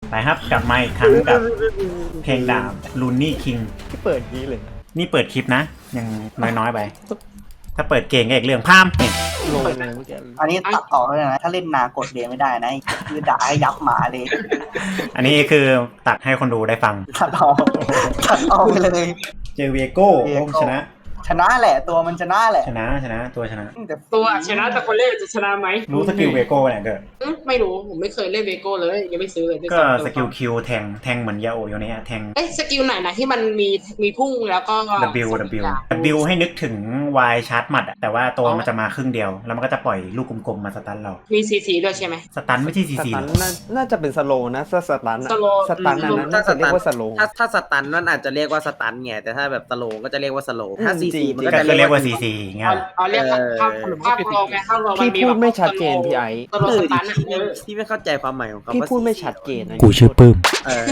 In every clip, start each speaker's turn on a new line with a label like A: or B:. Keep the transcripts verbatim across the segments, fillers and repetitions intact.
A: ไปครับกลับมาอีกครั้งกับเพลงดาบลูนี่คิง
B: ที่เปิดนี้เลย
A: นี่เปิดคลิปนะยังน้อยๆไปถ้าเปิดเก่งก็อีกเรื่องพามนี่
B: ลงเลยเมื่อกี้
C: อันนี้ตัดต่อเลยนะถ้าเล่นนากดเรียนไม่ได้นะคือด่าให้ยับหมาเลย
A: อันนี้คือตัดให้คนดูได้ฟัง
C: ตัดออกตัดออกไปเลย
A: เจอเวโก้ผมชนะ
C: ชนะแหละตัวมันชนะแหละ
A: ชนะชนะตัวชนะ
D: ตัวชนะแต่คนเล่นจะชนะไหม
A: รู้สกิลเวโก้เนี่ยเกิด
D: ไม่รู้ผมไม่เคยเล่นเวโก้เลยยังไม่ซื้อเลย
A: ก็สกิลคิวแทงแทงเหมือนยาโอโยเนะแทง
D: เอ้สกิลไหนนะที่มันมีมีพุ่งแล้วก็
A: W W W ให้นึกถึง Y ชาร์จหมัดอะแต่ว่าตัวมันจะมาครึ่งเดียวแล้วมันก็จะปล่อยลูกกลมๆมาสตันเรา
D: มีซีซีด้วยใช่ไหม
A: สตันไม่ใช่ซีซี
B: น่าจะเป็นสโลนะถ้าสตันสตันนั้นน่าจะเรียกว่าสโล
E: ถ้าถ้าสตันนั่นอาจจะเรียกว่าสตันไงแต่ถ้าแบบสโลก็จะเรียกว่าสโลถ้าซีซีมันก็จะ
A: เรียกว่าซีซีเงี้ย
D: เอาเรียกภาพภาพรองไงภาพรอง
B: พี่พูดไม่ชัดเจนพี่ไอ้
E: ที่ไม่เข้าใจความหมายของเขา
B: พี่พูดไม่ชัดเจนนะ
A: กูชื่อปื้ม
E: เออ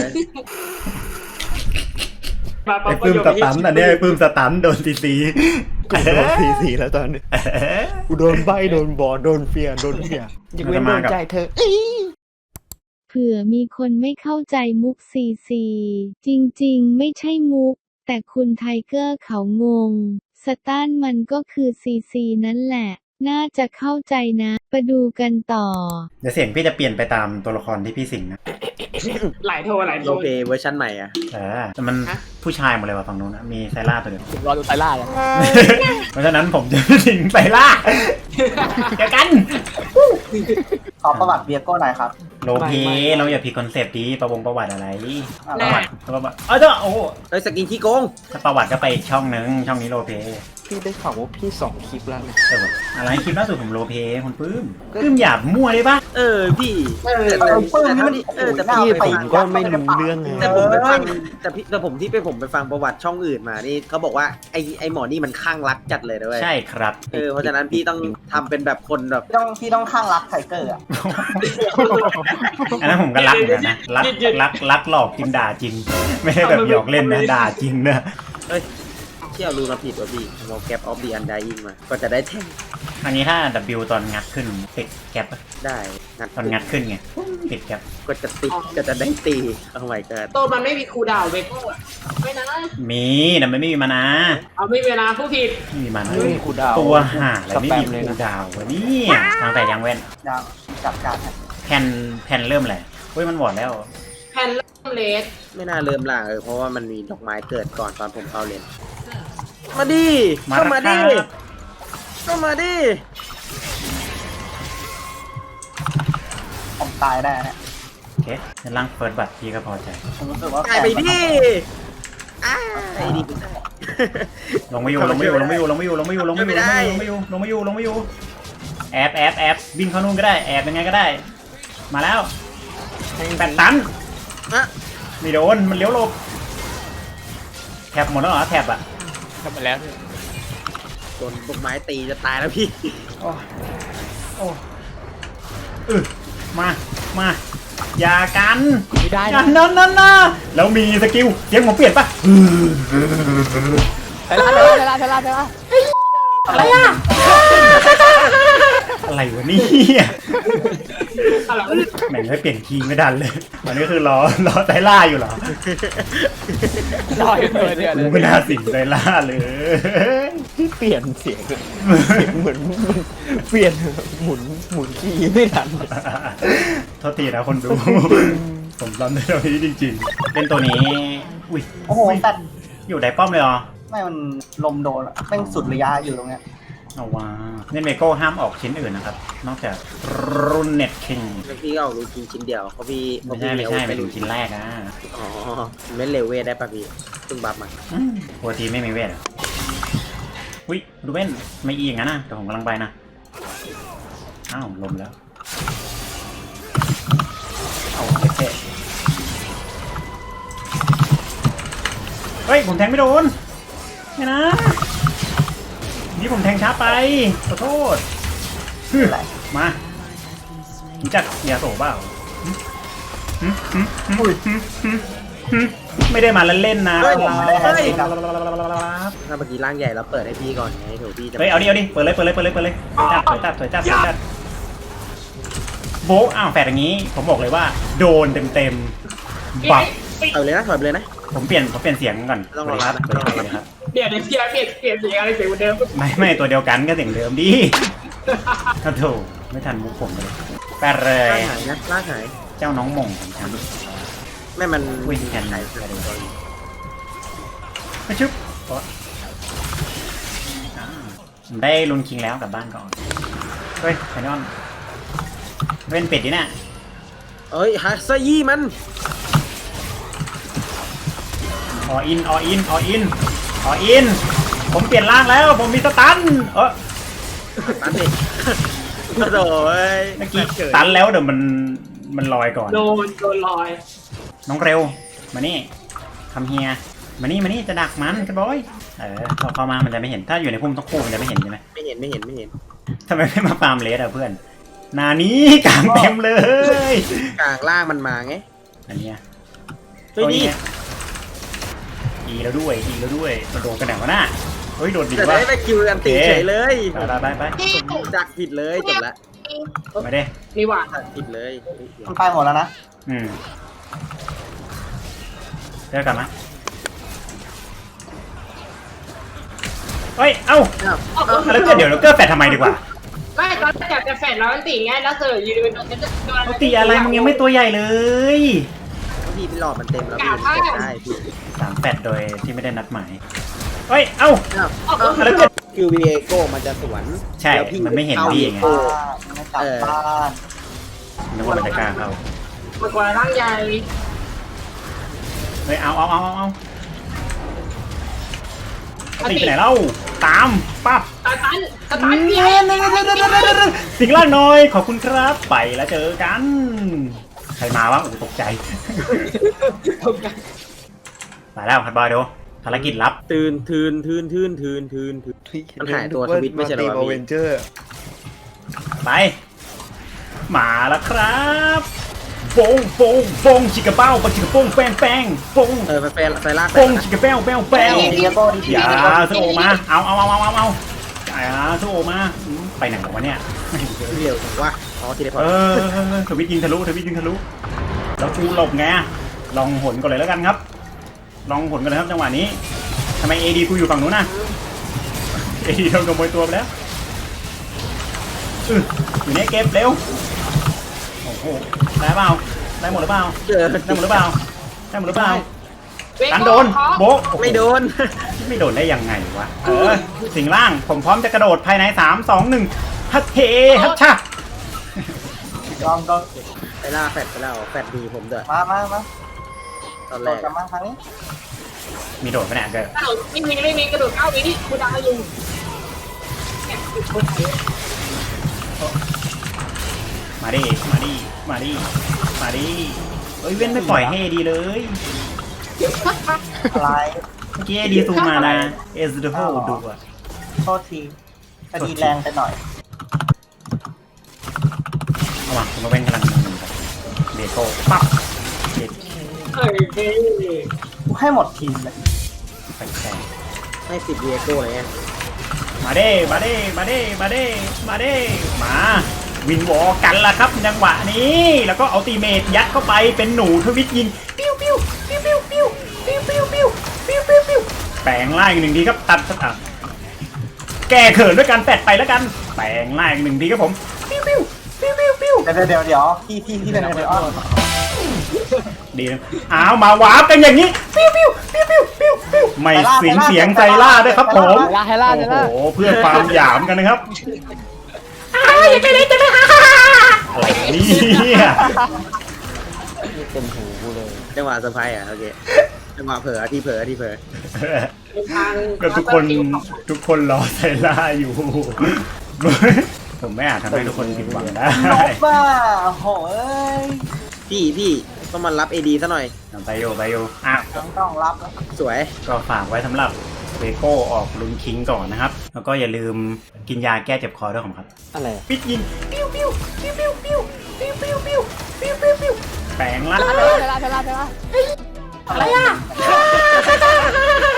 A: ไอ้ปื้มสตันอันนี้ไอ้ปื้มสตันโดนซีซี
B: กูโดนซีซีแล้วตอนนี้กูโดนใบโดนบอลโดนเฟียโดนเฟียยังไม่โดนใจเธอ
F: เผื่อมีคนไม่เข้าใจมุกซีซีจริงๆไม่ใช่มุกแต่คุณไทเกอร์เขางงสตันมันก็คือซีซีนั่นแหละน่าจะเข้าใจนะไปดูกันต่อ
A: เดี๋ยวเสียงพี่จะเปลี่ยนไปตามตัวละครที่พี่สิงนะ
D: หลายโทหลายโท
E: โอเคเวอร์ชันใหม่อ่ะ
A: เออแต่มันผู้ชายหมดเลยว่ะฝั่งนู้นนะมีไซร่าตัวเดียว
B: ผมรอดูไซร่าเลย
A: เพราะฉะนั้นผมจะสิงไซร่าเจอกัน
C: ขอประวัติเบียโก้หน่อยครับ
A: โลเพเราอย่าผิดคอนเซปต์ดีประวงประวัติอะไรประวัติประวัติเออเจ้าโอ้
E: ไอ้สกินที่โกง
A: ถ้าประวัติก็ไปอีกช่องนึงช่องนี้โลเพ
B: พี่ได้ข่าวว่าพี่สองคลิปแล้วเนี่ย
A: อะไรคลิปล่าสุดผมโลเพคุณปื้มปื้มหยาบมั่วได้ปะ
E: เออพี่
C: เออปื้มนี่
E: เออแต่
B: พี่ผมก็ไม่รู้เรื่อง
E: แต่ผมไปฟังแต่พี่แต่ผมที่ไปผมไปฟังประวัติช่องอื่นมานี่เขาบอกว่าไอ้ไอ้หมอนี่มันข้างรักจัดเลยด้วย
A: ใช่ครับ
E: เออเพราะฉะนั้นพี่ต้องทำเป็นแบบคนแบบ
C: ต้องพี่ต้องข้างรักไทเกอร์อ่ะ
A: อันนั้นผมก็รักเหมือนกันนะรักรักรักหลอกจริงด่าจริงไม่ได้แบบหยอกเล่นนะด่าจริงนะ
E: เฮ้ยที่เอารูมาผิดว่ะพี่เราแกปออฟดีอันไดอิงมาก็จะได้แท่ง
A: อันนี้ถ้า W ตอนงัดขึ้นติดแกป
E: ได้งัด
A: ตอนงัดขึ้นไงติดแกป
E: ก็จะติดก็จะได้ตีเอาไว้กัน
D: ตัวมันไม่มีคูดาวเวโก้ไม่นะ
A: มีแต่ไม่มีมานะ
D: เอาไม่เวลาผู้ผิด
A: ไม่มีมานะตัวห่าอะไรไม่มีคูดาววะนี่ทางแต่ยังเว้น
C: ยังจับการ
A: แผ่นแผ่นเริ่มแหละเฮ้ยมันหวอดแล้ว
D: แผ่นเริ่มเลส
E: ไม่น่าเริ่มล่างเออเพราะว่ามันมีดอกไม้เกิดก่อนตอนผมเข้าเล่นมาดิเข้ามาดิเข้ามาดิ
C: ผมตายได้เนี่ย
A: โอเคจะล่างเฟิร์สบัตรพี่ก็พอใจ
C: ผมรู้สึกว่า
E: ตายไปดิอ้าไอ้ดิ
A: ลงไม่อยู่ลงไม่อยู่ลงไม่อยู่ลงไม่อยู่ลงไม่อยู่ลงไม่อยู่ลงไม่อยู่ลงไม่อยู่ลงไม่อยู่แอบแอบแอบวิ่งเข้านู่นก็ได้แอบยังไงก็ได้มาแล้วแปดตันไม่โดนมันเลี้ยวหลบแถบหมดแล้วเหรอแถบอะ
B: ทำไปแล้ว
E: โดนต้นไม้ตีจะตายแล้วพี่
A: โอ้โอ้เออมามาอย่ากัน
B: ไม่ได้
A: นะนั่นนั่นนะแล้วมีสกิลเสียงผมเปลี่ยนปะ
B: เทล่าเทล่าเทล่าเทล่า
A: อะไรอะอะไรวะนี่แม่งไม่เปลี่ยนคีย์ไม่ดันเลยอันนี้คือรอรอไซล่าอยู่เหรอ
B: รออยู่เลยเนี่ย
A: กูไม่น่าสิงไซล่าเลย
B: ที่เปลี่ยนเสียงเหมือนเปลี่ยนหมุนหมุนคีย์ไม่ทัน
A: โทษทีนะคนดูผมรำได้ตัวนี้จริงๆเป็นตัวนี้อุ้ย
C: โอ้โหตัด
A: อยู่ได้ป้อมเลยเหรอ
C: ไม่มันลมโดนอะแม่งสุดระยะอยู่ตรงเนี้ย
A: เอาว่าเน็ตเมโก้ห้ามออกชิ้นอื่นนะครับนอกจากรุ่นเน็ตคิง
E: พี่ก็ออกรูชิ้นชิ้นเดียวเพราะพี่
A: ไม่ใช่ไม่ใช่ไปดูชิ้นแรกนะ
E: อ๋อไม่เลเวทได้ป่ะพี่ตึงบัฟมา
A: ปกติไม่มีเวทอุ้ยดูเว้นไม่อีอย่างนั้นนะแต่ผมกำลังไปนะอ้าวลมแล้วเอาเท่เฮ้ยผมแทงไม่โดนไม่นะนี่ผมแทงช้าไปขอโทษมารู้จักยาโสเปล่าไม่ได้มาเล่นๆนะ
E: ถ้าเมื่อกี้ร่างใหญ่แล้วเปิดให้พี่ก่อนไงถูกพี่
A: เฮ้ยเอาดิเอาดิเปิดเลยเปิดเลยเปิดเลยเปิดเลยถอยจับถอยจับถอยจับถอยจับโบ๊ะอ้าวแฝดอย่างนี้ผมบอกเลยว่าโดนเต็มๆบัก
E: ถอยเลยนะถอยไปเลยนะ
A: ผมเปลี่ยนผมเปลี่ยนเสียงก่อน
E: ต้องรอ
A: ค
E: รั
A: รั
E: บบ นะ
A: สวัสดีครับ
D: เดี๋ยวเดี๋ยวเดี๋ยวเปลี่ยนเปลี่ยนเสียงอะไรเสียงเหมือนเดิม
A: ไม่ไม่ตัวเดียวกันก็เสียงเดิมดิโอ้โถไม่ทันมุกผมเลยแปดเล
E: ลาย กหายนะลากหาย
A: เจ้าน้องหม่งของฉัน
E: แม่มัน
A: อุ้ยแทนไหนมาชุบโอ๊ะอ่าผมได้ลุนคิงแล้วกลับบ้านก่อนเฮ้ยไฟนอลเว้นเป็ดดิน่ะ
E: เอ้ยฮัสยี่มัน
A: ออินออินออินออินผมเปลี่ยนร่างแล้วผมมีสตันเออ
E: ตันดิกระโดดเอ้ย
A: เมื่อกี้สตันแล้วเดี๋ยวมันมันลอยก่อน
D: โดนโดนลอย
A: น้องเร็วมานี่คำเฮียมานี่มานี่จะดักมันกันบอยเออพอเข้ามามันจะไม่เห็นถ้าอยู่ในพุ่มต้องคู่มันจะไม่เห็นใช่ไหม
E: ไม่เห็นไม่เห็นไม่เห็น
A: ทำไมไม่มาฟาร์มเลสอะเพื่อนนานี้กลางเต็มเลย
E: กลางล่างมันมาไง
A: อันเนี้ย
E: เฮ้ยนี่
A: อีแล้วด้วยอีแล้วด้วยมันโดนกันไหนวะน่ะเฮ้ยโดดดี
E: จะ
A: วะ
E: ได้ไปคิวกันตีเฉยเลย
A: ไปไปไปไป
E: ผมจักผิดเลยจบละ
A: มาเด้
D: นี่หว่า
E: จักผิดเลย
C: มันไปหมดแล้วนะ
A: อืมเจอกันนะเฮ้ยเอ้า
E: อ้าว
A: แล้วเกิดเดี๋ยวเราเกิดแฟดทำไมดีกว่า
D: ไม่ตอนแรกจะแฟนแล้วมันตีไงแล้วเจอยืนเป็นโดนโดน
A: ปกติอะไรมึงยังไม่ตัวใหญ่เลย
E: พี่พี่หลอดมันเต็มแล้วพี่มันกดได้พี่
A: สามแฟดโดยที่ไม่ได้นัดหมายเฮ้ยเอ้า
E: อ้าว
D: เอา
A: เอาแล้วเกิด
E: คิววีเอโก้มันจะสวน
A: ใช่
E: แล้วพี่
A: มันไม่เห็นพี่ไง
E: โก้
C: ไม่กลับบ้าน
A: นึกว่ามันจะกล้าเข้า
D: มากกว่าร่างใหญ่
A: เฮ้ยเอาเอาเอาเอาเอาตีไปไหนเล่าตามปั๊บ
D: ตาตันตาตันเนี่ย
A: สิ่งล่างน้อยขอบคุณครับไปแล้วเจอกัน ใครมาวะโอ้โหตกใจมาแล้วคัดบอยดูภารกิจลับ
E: ตื่นทืนทืนทืนทืนทืนทืน มันหายตัวทวิตไม่ใช่เหรอวะพี่
B: เวนเจอร์
A: ไปมาแล้วครับโปงโปงโปงชิกกระเป้าปะชิกกระโป้งแป้งแป้งโปง
E: เออไฟไฟไฟลาก
A: โปงชิกกระเป้าแป้งแป้ง
C: เดียโก้ดิ
A: อย่าโซโอมาเอาเอาเอาเอาเอาเอาอย่าโซโอมาอืมไปไหนของวะเนี่ย
E: เดียวผมว่าอ๋อทีเดียวพอ
A: เออทวิตยิงทะลุทวิตยิงทะลุแล้วกูหลบไงลองหนก่อนเลยแล้วกันครับ ลองหนกันเลยครับจังหวะนี้ทำไมเอดีกูอยู่ฝั่งนู้นน่ะเอดีโดนขโมยตัวไปแล้วอื้ออยู่ในเก็บเร็วโอ้โหได้เปล่าได้หมดหรือเปล่า
E: เจอ
A: ได้หมดหรือเปล่าได้หมดหรือเปล่า
D: เว
A: กัน
D: โก้
A: โดน
D: ขอ
A: โบะโอ้โห
E: ไม่โดน
A: ไม่โดนได้ยังไงวะเออสิงล่างผมพร้อมจะกระโดดภายในสามสองหนึ่งฮัทเทฮัทชะ
C: ยอมโดน
E: ไปล่าแฟดไปแล้วแฟดดีผมเด้อ
C: มามามา
E: ตอน
C: โด
E: แร
C: ด
E: ก
C: กลับมาทางนี้
A: มีโดดไปไหนเกิด
D: กระโดดไม่มีไม่มีกระโดดเก้าวินี่กูดังอยู่เนี่ยติดคนไทย
A: มาดิมาดิมาดิมาดิเอ้ยเว้นไม่ปล่อยให้ดีเลย
C: อะไร
A: เมื่อกี้ไอดีซูมมานะเอสดูโฮดูอะ
C: โทษทีคดีแรงไปหน่อย
A: ระหว่างผมมาเป็นกำลังมือกับเบโก้ปั๊บเด็ด
D: เอ้ย
C: กูให้หมดทีมเลย
A: ไปแข่ง
E: ให้ติดวีเอโก้เลยไง
A: มาเด้มาเด้มาเด้มาเด้มาเด้มาวินวอกันละครับจังหวะนี้แล้วก็เอาตีเมทยัดเข้าไปเป็นหนูทวิตยิงปิ้วปิ้วปิ้วปิ้วปิ้วปิ้วปิ้วปิ้วปิ้วปิ้วปิ้วแปลงร่างอีกหนึ่งทีครับตัดตัดแก้เขินด้วยการแปดไปแล้วกันแปลงร่างอีกหนึ่งทีครับผมปิ้วปิ้วปิ้วปิ้วปิ้ว
C: เดี๋ยวเดี๋ยวเดี๋ยวพี่พี่ที่เป็นไอออน
A: ดีนะอ้าวมาวาร์ปกันอย่างนี้ปิ้วปิ้วปิ้วปิ้วปิ้วปิ้วไม่สิงเสียงใจล่าด้วยครับผม
B: ไฮล่าไฮล่าไฮล่า
A: โอ้โหเพื่อความหยามกันนะครับอย่าไปเลยจะไปอะไรเนี่ย
B: เต็มหูกูเลย
E: จังหวะเซอร์ไพรส์อ่ะโอเคจังหวะเผลอที่เผลอที่เผลอ
D: ทาง
A: ก็ทุกคนทุกคนรอไซล่าอยู่ ผมไม่อาจทำให้ทุกคนผิดหวังได้
C: นกบ้าโหย
E: พี่พี่ต้องมารับเอดีซะหน่อย
A: ไปโยไปโยอ่ะ
C: ต้องต้องรับแล้ว
E: สวย
A: ก็ฝากไว้สำหรับเวโก้ออกลุนคิงก่อนนะครับ แล้วก็อย่าลืมกินยาแก้เจ็บคอด้วยผมครับ
B: อะไร
A: ปิดยิงปิ้วปิ้วปิ้วปิ้วปิ้วปิ้วปิ้วปิ้วปิ้วปิ้วปิ้วแปลงร่าง
B: ไฮล่าไฮล่าไฮล่า
C: อะไรอ่ะ